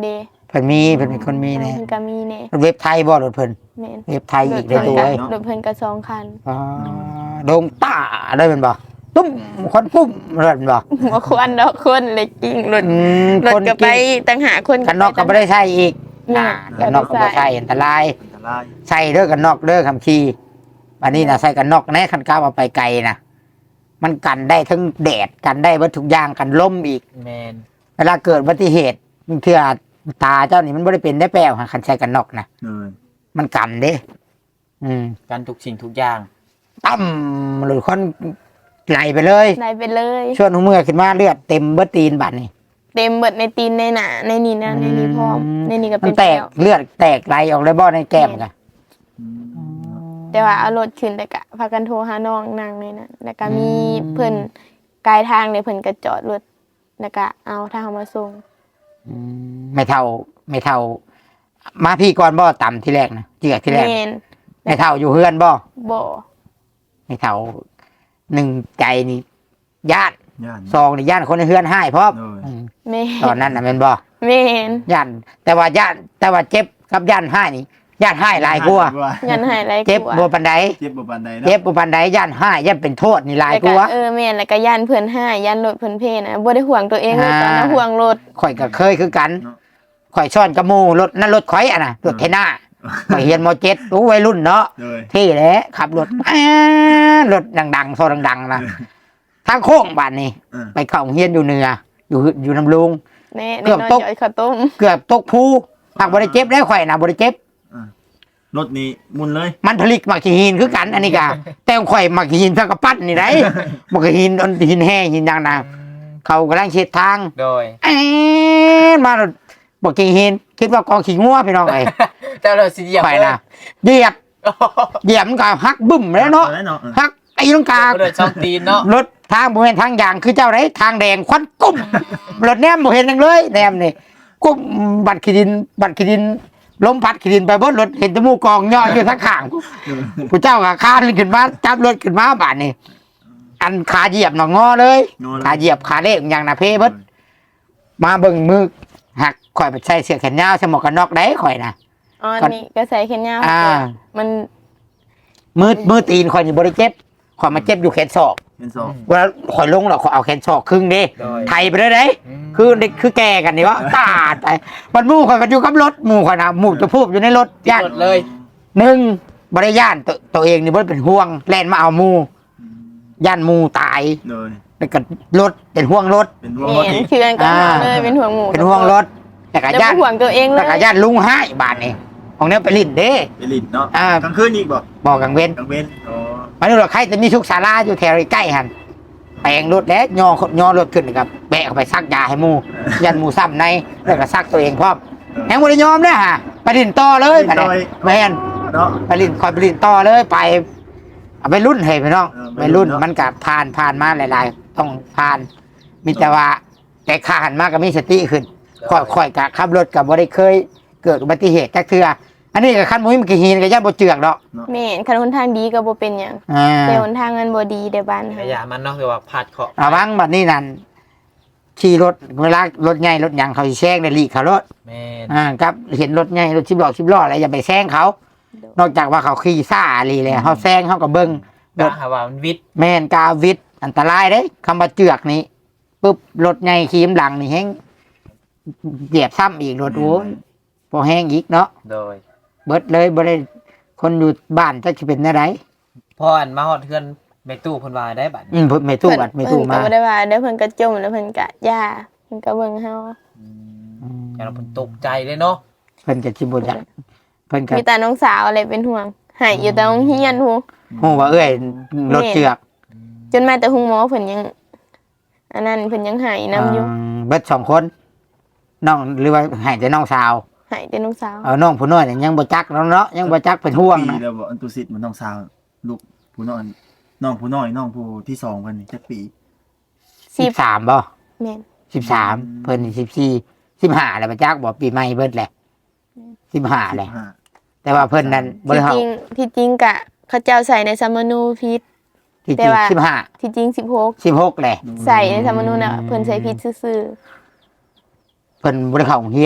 Speaker 2: เพิ่นมีเพิ่นเป็นคนมี
Speaker 3: เออ
Speaker 2: แน่
Speaker 3: เพิ่นก็มีแน่
Speaker 2: เว็บไทยบ่รถเพิ่น
Speaker 3: แม่น
Speaker 2: เว็บไทยอีกได้ตัวเอ้ย
Speaker 3: รถเพิ่นก็สองคัน
Speaker 2: อ๋อโดงตาได้เป็นบ่ตุ้มคนปุ้มเริ่นบ่
Speaker 3: บ่ควรดอกคนเลยกิ้งรถ
Speaker 2: อืม
Speaker 3: รถ
Speaker 2: คน
Speaker 3: ก็ไปต่างหากคน
Speaker 2: กันนอกก็บ่ได้ใช้อีก
Speaker 3: แม่
Speaker 2: อ่ากันนอกก็บ่ใช้อันตราย
Speaker 1: อันตราย
Speaker 2: ใส่เด้อกันนอกเด้อคำขี่อันนี้น่ะใส่กันนอกแน่คันก้าวเอาไปไกลนะมันกันได้ทั้งแดดกันได้วัตถุกอย่างกันลมอีก
Speaker 4: แมน
Speaker 2: เวลาเกิดอุบัติเหตุเทื่อตาเจ้านี่มันบ่ได้เป็นได้แปลวคันใส่กันนอกนะ
Speaker 1: เลย
Speaker 2: มันกันเด้ อืม
Speaker 4: การทุกสิ่งทุกอย่าง
Speaker 2: ตั้มหรือคนไหลไปเลย
Speaker 3: ได้ไปเลย
Speaker 2: ช่วงหัวเมื่อขึ้นมาเลือดเต็มเบิดตีนบัดนี่
Speaker 3: เต็มเบิดในตีนในหน้าในนี่นะในนี่พร้อมในนี่ก็
Speaker 2: มั
Speaker 3: เป็น น
Speaker 2: แตก
Speaker 3: แล้ว
Speaker 2: เลือดแตกไหลออกเลยบ่ในแก้มกัน
Speaker 1: อืม
Speaker 3: แต่ว่าเอารถขึ้นแล้วก็พากันโทรหาน้องนางเลยนะแล้วก็มีเพิ่นกายทางเลยเพิ่นก็จอดรถแล้วก็เอาทางมาส่ง
Speaker 2: ไม่เท่าไม่เท่า มาพี่ก่อนบ่ต่ำที่แรกนะเจือกที่แรก
Speaker 3: แม่น
Speaker 2: ไม่เท่าอยู่เฮือนบ่
Speaker 3: บ่
Speaker 2: ไม่เท่าหนึ่งใจนี่ญาติ
Speaker 1: ย่าน
Speaker 2: ซองนี่ญาติคนในเฮือนให้พร้อม
Speaker 1: เลย
Speaker 2: อืม
Speaker 3: แม่น
Speaker 2: ตอนนั้นน่ะแม่นบ่
Speaker 3: แม่น
Speaker 2: ญาติแต่ว่าญาติแต่ว่าเจ็บกับญาติให้นี่ญาติให้หลายกว่า
Speaker 3: ยันหายไร
Speaker 2: เจ็บบ่ปานใด
Speaker 1: เจ็บบ่ปานใดเนาะ
Speaker 2: เจ็บบ่ปานใดญาติให้ญาติเป็นโทษนี่หลาย
Speaker 3: แล้ว
Speaker 2: ก
Speaker 3: ก็
Speaker 2: ว่า
Speaker 3: เออแม่นแล้วก็ยันเพิ่นหายยันรถเพิ่นเพนะบ่ได้ห่วงตัวเองเลย
Speaker 2: อ่า
Speaker 3: ตอนนั้นห่วงรถ
Speaker 2: ข่อยก็เคยคือกันข่อยซ่อนกระมูรถนั่นรถข่อยอ่ะนะรถเทน่าข่อยเฮียนมเจ็ดรู้วัยรุ่นเนาะ
Speaker 1: เลย
Speaker 2: ที่แหละขับรถแอ๊ะรถดังๆโซดังๆนะทางโค้งบ้านนี่
Speaker 1: เออ
Speaker 2: ไปเข้าโรงเฮียนอยู่เหนืออยู่อยู่น้ำลุง
Speaker 3: แน่
Speaker 2: เกื
Speaker 3: แน่
Speaker 2: อบ
Speaker 3: นอน
Speaker 2: ตก
Speaker 3: จ่อยข้าวต้ม
Speaker 2: เกือบตกภูหักบริเจ็บได้ข่อยนะบริเจ็บ
Speaker 1: รถนี้มุนเลย
Speaker 2: มันผลิตมักหินคือกันอันนี้กะแต่ของข่อยมักหินสักกระปั้นนี่ไรมักหินอันหินแห้งหินดังนะเขากำลังเช็ดทาง
Speaker 4: โดย
Speaker 2: เอ๊ะมาบอกกินหินคิดว่ากองขี้งัวพี่น้องไอ้
Speaker 4: เจ้าเราสิเหยียบ
Speaker 2: ข่อยนะเหยียบเหยียบมันก็หักบึ้มแล้วเนาะ
Speaker 1: แล้วเนาะเออ
Speaker 2: หักไอ้ตรงกลาง
Speaker 4: เดินช่องตีนเนาะ
Speaker 2: รถทางบ่เห็นทางอย่างคือเจ้าไรทางแดงควันกุ้มรถแนมบ่เห็นหยังเลยแนมนี่กุ้มบัตรขีดินบัตรขีดินล้มพัดขีดินไปบนรถเห็นจมูกกองย่ออยู่ทั้งข้างผู้เจ้าก็คานขึ้นมาจับรถขึ้นมาบาดนี่อันขาเหยียบหนองงอเลย
Speaker 1: งอเลย
Speaker 2: ขาเหยียบขาเล็กอย่างน่ะเพเบิดมาเบิ่งมือหักข่อยไปใส่เสื้อแขนยาวใส่หมวกกันน็อกได้ข่อยนะ
Speaker 3: อ๋ออันนี่ก็ใส่แขนยาว
Speaker 2: อ่า
Speaker 3: มัน
Speaker 2: มือมือตีนข่อยนี่บ่ได้เจ็บข่อยมาเจ็บอยู่แขนศอก
Speaker 1: เป็นสอง
Speaker 2: เวลาข่อยลงแล้วข่อยเอาแขนศอกครึ่งเด้
Speaker 4: โดย
Speaker 2: ไทยไปเลยเด้ คือเด็กคือแก่กันนี่วะตาดไปมันหมู่ข่อยกันอยู่กับรถหมู่ข่อยนะหมู่จะพูดอยู่ในรถย่าน
Speaker 4: หมดเลย
Speaker 2: หนึ่งบริย่านตัวตัวเองนี่บ่ได้เป็นห่วงแล่นมาเอาหมู่ย่านหมู่ตาย
Speaker 1: เลย
Speaker 2: แล้วก็รถเป็นห่วงรถ
Speaker 1: เป็นห่วง
Speaker 3: แม่
Speaker 1: รถ
Speaker 3: น
Speaker 1: อีก
Speaker 3: เคือนก็
Speaker 2: อ่า
Speaker 3: มาเลยเป็นห่วงหมู
Speaker 2: เป็นห่วงรถแต่ก็
Speaker 3: แล้ว
Speaker 2: ย่าน
Speaker 3: บ่ห่วงตัวเองเล
Speaker 2: แต่
Speaker 3: ย
Speaker 2: ก็ย่านลุงให้บานนี่ของเนี้ยไปลิ้นเด้
Speaker 1: ไปลิ้นเนาะ
Speaker 2: อ่าก
Speaker 1: ลางคืนอีกบ่
Speaker 2: บอกกังเว้น
Speaker 1: กลางเว้นอ๋อ
Speaker 2: มาดูว่าใครจะมีชุกศาลาอยู่แถวใกล้หันแปลงรถแล้วย่อย่อรถขึ้นนะครับแบกเข้าไปซักยาให้หมู่ยันหมู่ซ้ำในแล้วก็ซักตัวเองพร้อมแหงบ่ได้ยอมเด้อฮะไปลิ้นต่อเลยบัดนี้แม่น
Speaker 1: เนาะ
Speaker 2: ไปลินคอยไปลินต่อเลยไปเอาไปรุ่นเฮ้ยพี่น้อง
Speaker 1: เออ
Speaker 2: ไป
Speaker 1: ไปรุ่
Speaker 2: รุ่น
Speaker 1: นเนอะ
Speaker 2: มันกับผ่านผ่านมาหลาย ๆ ต้องผ่าน มีแต่ว่าแต่ขาหันมากก็มีสติขึ้นค่อยค่อยกับขับรถกับบ่ได้เคยเกิดอุบัติเหตุจักเทื่ออันนี้กับขั้นมุ้ยมันกี่หินกับย่าบ่เจือกดอก
Speaker 3: แม่นคันหนทางดีก็บ่เป็นหยัง
Speaker 2: อ่า
Speaker 3: แต่หนทางมันบ่ดีในบ้าน
Speaker 4: ข
Speaker 3: เฮา
Speaker 4: ยะมันเนาะคือว่าพัดเคาะ
Speaker 2: ระวังบัดนี้นั่นขี่รถเวลารถใหญ่รถหยังเขาสิแซงได้ลีกเขารถ
Speaker 4: แม่น
Speaker 2: อ่าครับเห็นรถใหญ่รถสิบล้อสิบล้ออะไรอย่าไปแซงเขา นอกจากว่าเขาขี่ซ่าลีเลยเขาแซงเขาก็เบิ่ง
Speaker 4: กะหาว่ามันวิทย์
Speaker 2: แม่นกาวิทย์อันตรายเด้คำว่าเจือกนี่ปุ๊บรถใหญ่ขีมหลังนี่แห้งเหยียบซ้ำอีกรถโอ้ยพอแห้งอีกเนาะ
Speaker 4: โดย
Speaker 2: เบิดเลยบ่ได้คนอยู่บ้านจะสิเป็นอะไร
Speaker 4: พออันมาฮอดเทือนแม่ตู้เพิ่นว่าได้บัด
Speaker 2: อืมเพิ่นไม่ตู้บัดไม่ตู้
Speaker 3: เพิ่น
Speaker 2: มา
Speaker 3: ก็บ่ได้ว่าเดี๋ยวเพิ่นก็จมแล้วเพิ่นก็ย่าเพิ่นก็เบิ่งเฮา
Speaker 4: อืมอย่างเราเพิ่นตกใจเลยเนาะ
Speaker 2: เพิ่นก็สิบ่จักเพิ่นก็
Speaker 3: มีแต่น้องสาวอะไรเป็นห่วงหายอยู่แต่โรงเรียนฮู้
Speaker 2: ฮู้ว่าเอ้ยรถเจือก
Speaker 3: จนมาแต่หุงหมอเพิ่นยังอันนั้นเพิ่นยังหายนํอยู่
Speaker 2: อืมเบิดสองคนน้องหรือว่าให้แต่น้องสาว
Speaker 3: หายแต่น้องสาว
Speaker 2: เอาน้องผู้น้อยนี่ยังบ่จักเนาะยังบ่จักเป็นห่วง
Speaker 1: ปี
Speaker 2: นะ
Speaker 1: แล้วบ่อันตุสิตมันน้องสาวลูกผู้น้อยน้องผู้น้อยน้องผู้ที่สองเพิ่นนี่จักปี
Speaker 3: สิบ
Speaker 2: สิบสามบ่
Speaker 3: แม่น
Speaker 2: สิบสามเพิ่นนี่สิบสี่สิบห้าแล้วบ่จักบ่ปีใหม่เบิดแหละสิบห้าแหละ
Speaker 1: สิบห้า
Speaker 2: แต่ว่าเพิ่นนั้นบ่
Speaker 3: ที่
Speaker 2: ได้เฮา
Speaker 3: จริงที่จริงกะเขาเจ้าใส่ในสมนูพิษ
Speaker 2: ที่
Speaker 3: แต่
Speaker 2: จริง
Speaker 3: ว่า
Speaker 2: สิบห้า
Speaker 3: ที่จริงสิบหก
Speaker 2: สิบหกแหละ
Speaker 3: ใส่ในสมนูน่ะเพิ่นใส่พิษซื่อ
Speaker 2: เพิ่นบ่ได้เข้าโรงเรียน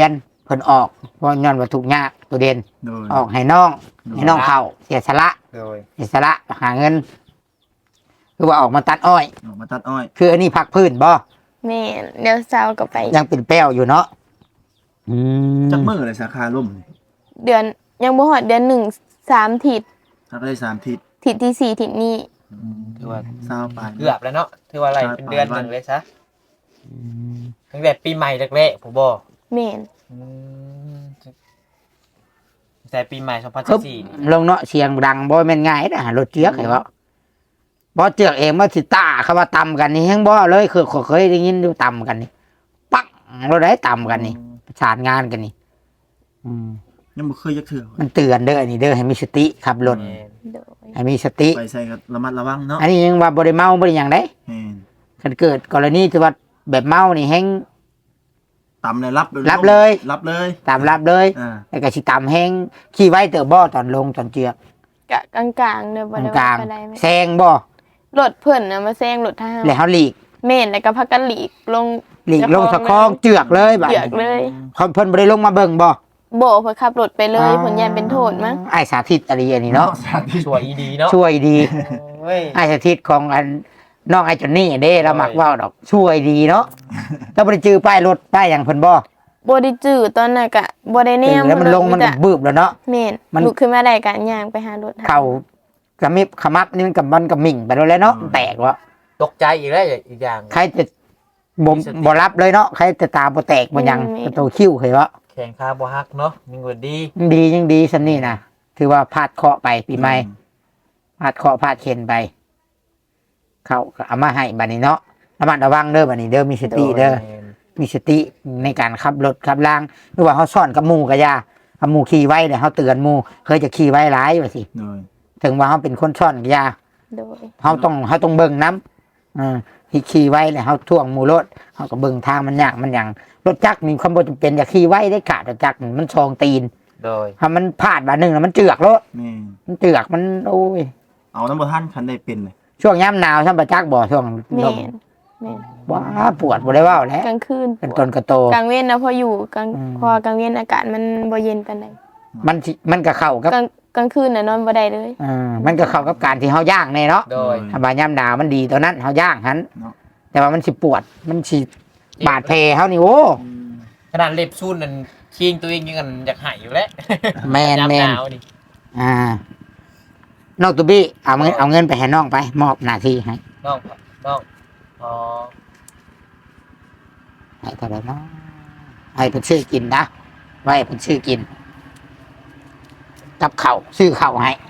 Speaker 2: เพิ่นออกเพราะย้อนว่าทุกข์ยากตัวเด่น
Speaker 1: โดย
Speaker 2: ออกให้น้องให้น้องเข้าเสียสละ
Speaker 4: โดย
Speaker 2: เสียสละหาเงิน คือว่าออกมาตัดอ้อย
Speaker 1: ออกมาตัดอ้อย
Speaker 2: คืออันนี้พักพื้นบ่
Speaker 3: แม่นเดี๋ยวเช้าก็ไป
Speaker 2: ยังเป็นแป้วอยู่เนาะอืม
Speaker 1: จักมื้อเลยสาขาล่มนี่
Speaker 3: เดือนยังบ่ฮอดเดือนหนึ่งสามทิศ
Speaker 1: ทักได้สามทิศ
Speaker 3: ทิศที่สี่ทิศนี้
Speaker 4: ถือว่า
Speaker 1: เศร้าไป
Speaker 4: เกือบแล้วเนาะถือว่าอะไรเป็นเดือนหนึ่งเลยซะ
Speaker 2: อืม
Speaker 4: ตั้งแต่ปีใหม่แรกๆผมบอก
Speaker 3: แม่น
Speaker 4: อืมแต่ปีใหม่สองพัน
Speaker 2: ครับ
Speaker 4: สี่นี่
Speaker 2: ลงเนาะเสียงดังบ่แม่นง่ายนะรถเจือกไอ้บ่บ่เจือกเองมาสิตาเขาว่าต่ำกันนี่แฮงบ่เลยคือเคยได้ยินอยู่ต่ำกันนี่ปังเราได้ต่ำกันนี่ประสานงานกันนี่อืม
Speaker 1: ยังบ่เคยจักเทื่อ
Speaker 2: มันเตือนเด้ออันนี้เด้อให้มีสติขับรถ
Speaker 4: แม่น
Speaker 3: โดย
Speaker 2: ให้มีสติ
Speaker 1: ไปใส่ก็ระมัดระวังเนาะ
Speaker 2: อันนี้ยังว่าบ่ได้เมาบ่ได้หยังได้
Speaker 1: แม่น
Speaker 2: คันเกิดกรณีที่ว่าแบบเมานี่แฮง
Speaker 1: ตำเลยรับ
Speaker 2: รับเลย
Speaker 1: รับเลย
Speaker 2: ตามรับเลย
Speaker 1: อ่า
Speaker 2: แล้วก็สิตามแฮงขี่ไว้เตอบ่ตอนลงตอนเจือก
Speaker 3: กะกลางๆเด้อบ่ได้
Speaker 2: กลา
Speaker 3: ว่าง ปานใดแม่
Speaker 2: ๆแซงบ่
Speaker 3: รถเพิ่นน่ะมาแซงรถทหาร
Speaker 2: แล้วเฮาหลีก
Speaker 3: แม่นแล้วก็พักกันหลีกลง
Speaker 2: หลีกลงสะคองเจือกเลยบัด
Speaker 3: เจือกเลย
Speaker 2: เขาเพิ่นบ่ได้ลงมาเบิ่งบ่
Speaker 3: โบเพิ่นขับรถไปเลยผลยันเป็นโทษมั้ง
Speaker 2: ไอ้สาธิตอะไรอันนี้เนาะ
Speaker 1: สาธิต
Speaker 4: ช่วยอีดีเนาะ
Speaker 2: ช่วยดี
Speaker 4: โอ้ย
Speaker 2: ไอ้สาธิตของอันน้องไอ้จอนนี่เด้เรามักเว้าดอก ช่วยดีเนาะถ้าบ่ได้จื้อป้ายรถป้ายหยังเพิ่นบ่
Speaker 3: บ่ได้จื้อตอนนั้นก็บ่ได้แน
Speaker 2: จื้อ
Speaker 3: ม
Speaker 2: แล้วมันลงมันก็บึบแล้วเนาะ
Speaker 3: แม่น
Speaker 2: มัน
Speaker 3: ลุกขึ้นมาได้ก็ย่างไปหารถ
Speaker 2: เข้ากระมิบขมับนี่มันกับมันกับมิ่งไปแล้วเนาะแตกวะ
Speaker 4: ตกใจอีกแล้วอีกอย่าง
Speaker 2: ใครจะบ่บ่รับเลยเนาะใครจะตาบ่แตกบ่หยังประตูคิ้วเคยวะ
Speaker 4: แข่งคาบ่ฮักเนาะมีเงินดี
Speaker 2: ยังดียังดีซั่นนี่นะถือว่าพลาดเคราะห์ไปปีใหม่พลาดเคราะห์พลาดเข็นไป เขาก็เอามาให้บัดนี้เนาะระมัดระวังเด้อบัดนี้เด้อมีสติเด้อ
Speaker 4: แม่น
Speaker 2: มีสติในการขับรถขับล่างหรือว่าเขาซ่อนกับหมู่ก็อย่าเอาหมู่ขี่ไว้เนี่ยเขาเตือนหมู่เคยจะขี่ไว้หลายว่าสิ
Speaker 1: โดย
Speaker 2: ถึงว่าเขาเป็นคนซ่อนก็อย่า
Speaker 3: โดย
Speaker 2: เขาต้องเขาต้องเบิ่งน้ำอ่าที่ขี่ไว้เนี่ยเขาท่วงหมู่รถเขาก็เบิ่งทางมันยากมันอย่างรถจักรมีความบ่จำเป็นอย่าขี่ไว้ได้ขาดรถจักรมันชองตีน
Speaker 4: โดย
Speaker 2: ถ้ามันพลาดบาทหนึ่งแล้วมันเจือกรถ
Speaker 1: แม่น
Speaker 2: มันเจือกมันโอ้ย
Speaker 1: เอาน้ำบ่ทันคันได้เป็นเลย
Speaker 2: ช่วงย่ำหนาวช่วงประจักษ์บ่ช่วง
Speaker 3: แม่
Speaker 2: ลม
Speaker 3: นแม่น
Speaker 2: ว้าปวดบ่ได้เว่าแล้ว
Speaker 3: กลางคืน
Speaker 2: เป็นต้นกระโต
Speaker 3: กลางเว้นนะพออยู่กลาง
Speaker 2: อืม
Speaker 3: พอกลางเว้นอากาศมันบ่เย็นปานใด
Speaker 2: มันสิมันก็เข้ากับ
Speaker 3: กลางกลางคืนน่ะนอนบ่ได้เลย
Speaker 2: อ่ามันก็เข้ากับการที่เฮาย่างแน่เนาะ
Speaker 4: โดย
Speaker 2: ถ้าบาย่ำหนาวมันดีตัวนั้นเฮาย่างหัน
Speaker 1: เนาะ
Speaker 2: แต่ว่ามันสิปวดมันสิบาดแผลเฮานี่โอ้
Speaker 1: อืม
Speaker 4: ขนาดเล็บซูนนั่นคิงตัวเองยังกันอยากหายอยู่แล้ว
Speaker 2: แม่น
Speaker 4: ยาม
Speaker 2: แม่
Speaker 4: ห
Speaker 2: น
Speaker 4: นาวนี่
Speaker 2: อ่านอกตัวบี้เอาเงินเอาเงินไปให้น้องไป มอบหน้าที่ให้
Speaker 4: น้องน้องอ๋อ
Speaker 2: ให้เท่าไหร่เนาะให้เพิ่นซื้อกินนะไว้ให้เพิ่นซื้อกิน กับข้าวซื้อข้าวให้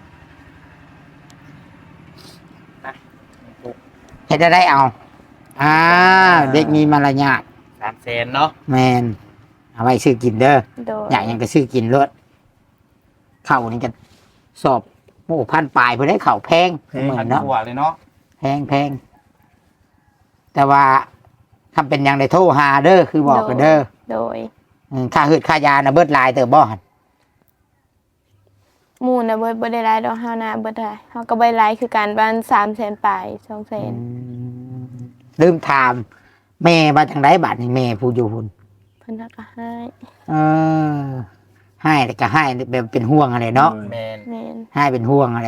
Speaker 2: เฮ็ดได้ได้เอา อ่า เด็กมีมารยาท
Speaker 4: สามแสนเนาะ
Speaker 2: แมนเอาไว้ซื้อกินเด้อ
Speaker 3: โดย
Speaker 2: อยากหยังก็ซื้อกินรถข้าวนี่จะสอบโอ้พันปลายเพื่อได้ข้าวแพงเหมือนเนาะ
Speaker 1: หัวเลยเนาะ
Speaker 2: แพงแพงแต่ว่าทำเป็นหยังได้โทรหาเด้อคือบอกกันเด้อ
Speaker 3: โดย
Speaker 2: อืมค่าหืดค่ายานะเบิดหลายเตอบ่หั่น
Speaker 3: หมู่น่ะเบิดบ่ได้หลายดอกเฮาน่ะเบิดได้เฮาก็บ่ได้หลายคือการบ้านสามแสนปลายสองแสน
Speaker 2: อืมลืมถาม แม่มาจังไดบาดนี่แม่ผู้อยู่หุ่น
Speaker 3: เพิ่นก็ให้
Speaker 2: เออให้แต่ก็ให้แบบเป็นห่วงอะไรเนาะ
Speaker 1: โดย
Speaker 4: แมน
Speaker 3: แม่น
Speaker 2: ให้เป็นห่วงอะไร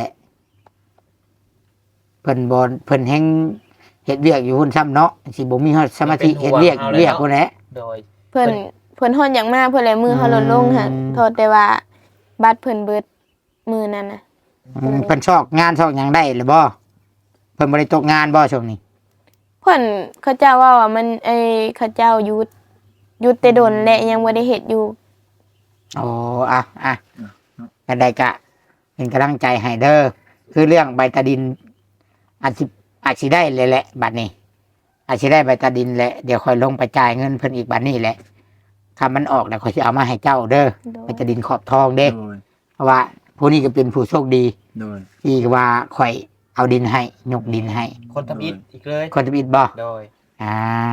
Speaker 2: เพิ่นบนเพิ่นแฮงเฮ็ดเวียกอยู่หุ่นซ้ำเนาะสิบ่มีฮอดสมาธิเฮ็ดเวียกเวียกพุ่นแหละ
Speaker 4: โดย
Speaker 3: เพิ่นเพิ่นฮอดอย่างมากเพิ่นเลยมือเขาลดลงหั่น
Speaker 2: อืม
Speaker 3: โทษแต่ว่าบัตรเพิ่นเบิดมือนั้นน่ะ
Speaker 2: อืมเพิ่นชอกงานชอกหยังได้หรือบ่เพิ่นบ่ได้ตกงานบ่ช่วงนี้
Speaker 3: เพิ่นเขาเจ้าว่าว่ามันเอ้ยเขาเจ้าหยุดหยุดแต่ดนและยังบ่ได้เฮ็ดอยู่
Speaker 2: โอ้อ่ะอ่ะกันได้กะเป็นกำลังใจให้เด้อคือเรื่องใบตาดินอาจสิอาจสิได้เลยแหละบัดนี้ อาจสิได้ใบตาดินแหละเดี๋ยวค่อยลงไปจ่ายเงินเพิ่นอีกบัดนี้แหละถ้ามันออกแล้วค่อยสิเอามาให้เจ้าเด้อ
Speaker 3: โด
Speaker 2: ใบ
Speaker 3: ย
Speaker 2: ตาดินขอบทองเด้
Speaker 1: โดย
Speaker 2: เพราะว่าผู้นี้ก็เป็นผู้โชคดี
Speaker 1: โดย
Speaker 2: ที่ว่าข่อยเอาดินให้ยกดินให้
Speaker 4: คนทำอิฐอีกเลย
Speaker 2: คนจะบิดบ่
Speaker 4: โดย
Speaker 2: อ่า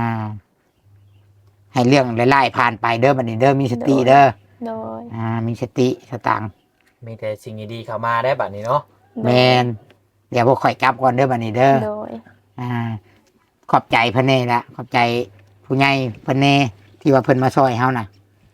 Speaker 2: ให้เรื่องไล่ๆผ่านไปเด้อบัดนี้เด้อมีสติเด้อ
Speaker 3: โดย
Speaker 2: อ่า มีสติสตังค์
Speaker 4: มีแต่สิ่งดีๆเข้ามาได้บัดนี้เนาะ
Speaker 2: แมนเดี๋ยวพวกข่อยกลับก่อนเด้อบัดนี้เด้อ
Speaker 3: โดย
Speaker 2: อ่า ขอบใจเพิ่นเน่ละขอบใจผู้ใหญ่เพิ่นเน่ที่ว่าเพิ่นมาช่วยเฮาน่ะ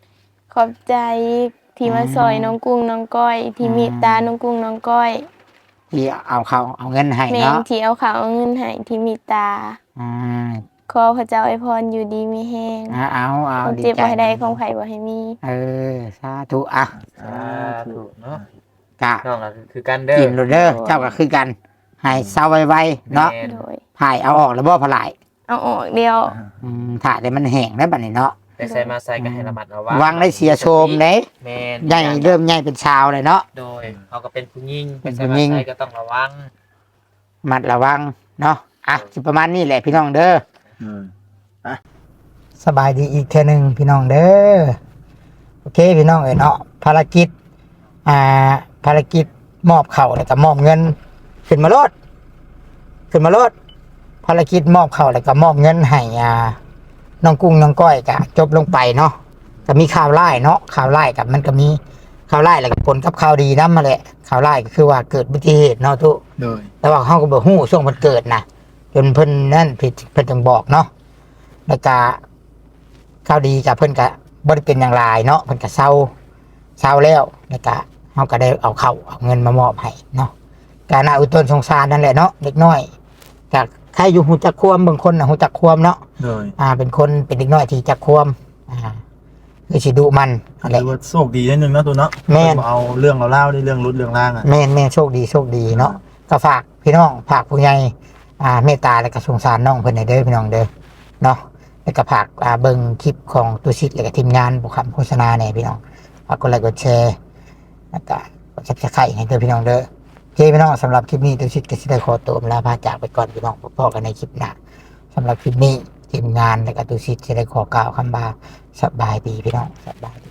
Speaker 3: ขอบใจที่มาซอยน้องกุ้งน้องก้อย ที่เมตตาน้องกุ้งน้องก้อย
Speaker 2: ที่เอาเขาเอาเงินให้
Speaker 3: แม่น
Speaker 2: เนาะ
Speaker 3: ที่เอาข้าวเอาเงินให้ที่เมตตา
Speaker 2: อ่า
Speaker 3: ขอพระเจ้าอวยพรอยู่ดีมีแห้ง
Speaker 2: เอาเอาเอา
Speaker 3: ความ
Speaker 2: ดี
Speaker 3: เจ็บ
Speaker 2: ใจ
Speaker 3: บ่ให้ได้ความไข้บ่ให้มี
Speaker 2: เออสาธุอ่ะ
Speaker 4: สาธุเนาะ
Speaker 2: กะ
Speaker 4: น้องก็คือกันเด้อ
Speaker 2: กินโรเดอร์เจ้าก็คือกันให้เศร้าไวๆเนาะ
Speaker 4: แม่น
Speaker 3: โดย
Speaker 2: ถ่ายเอาออกแล้วบ่พลาย
Speaker 3: เอาออกเดียว
Speaker 2: อืมถ่ายแต่มันแห้งได้วบัดนี้เนาะ
Speaker 4: แต่ใส่มาใส่ก็ให้ระมัดระวัง
Speaker 2: วางได้เสียโชมเด้
Speaker 4: แม่น
Speaker 2: ใหญ่เริ่มใหญ่เป็นชาวเลยเนาะ
Speaker 4: โดยเขาก็เป็นผู้หญิง
Speaker 2: เป็น
Speaker 4: ใส่
Speaker 2: ผู้
Speaker 4: มา
Speaker 2: หญิง
Speaker 4: ใส่ก็ต้องระวัง
Speaker 2: มัดระวังเนาะอ่ะสิประมาณนี้แหละพี่น้องเด้อ
Speaker 1: เออ
Speaker 2: สบายดีอีกเทื่อหนึงพี่น้องเด้อโอเคพี่น้องเอ้ยเนาะภารกิจอ่าภารกิจมอบเข่าวแล้วก็มอบเงินขึ้นมาโลดขึ้นมาโลดภารกิจมอบเข่าวแล้วก็มอบเงินให้อ่าน้องกุ้งน้องก้อยก็จบลงไปเนาะก็มีข่าวร้ายเนาะข่าวร้ายกับมันก็มีข่าวร้ายแล้วก็ผลกับข่าวดีนำมาแหละข่าวร้ายก็คือว่าเกิดอุบัติเหตุเนาะทุก
Speaker 1: โดย
Speaker 2: แต่ว่าเขาก็บอกฮู้ช่วงมันเกิดนะจนเพิ่นนั่นผิดเพิ่นจึงบอกเนาะแล้วก็ข่าวดีกับเพิ่นก็บ่ได้เป็นอย่างไรเนาะเพิ่นก็เศร้าเศร้าแล้วแล้วก็เขาก็ได้เอาเข้าวเอาเงินมามอบให้เนาะการน่าอุตนสงสารนั่นแหละเนาะเด็กน้อยจากใครอยู่หูจักความบางคนน่ะหูจักความเนาะ
Speaker 1: โดย
Speaker 2: อ่า เป็นคนเป็นเด็กน้อยที่จักความอ่าคือสิดุมันอะไร
Speaker 1: ถือว่าโชคดีนิดนึงเนาะตัวเนาะ
Speaker 2: แม่น
Speaker 1: บ่เอาเรื่องเราเล่าได้เรื่องรุดเรื่องล่างอ่ะ
Speaker 2: แม่นแม่นโชคดีโชคดีเนาะก็ฝากพี่น้องฝากผู้ใหญ่อ่าเมตตาและก็สงสารน้องเพิ่นให้เด้อพี่น้องเด้อเนาะแล้วก็ฝากอ่าเบิ่งคลิปของตุชิตและก็ทีมงานบุคคลโฆษณาเนี่ยพี่น้องฝากกดไลค์กดแชร์แล้วก็กดซับสไครต์ให้เด้อพี่น้องเด้อโอเคพี่น้องสำหรับคลิปนี้ตุชิตก็สิได้ขอตัวลาพาจากไปก่อนพี่น้องพบกันในคลิปหน้าสำหรับคลิปนี้ทีมงานและก็ตุชิตจะได้ขอกล่าวคำบาสบายดีพี่น้องสบายดี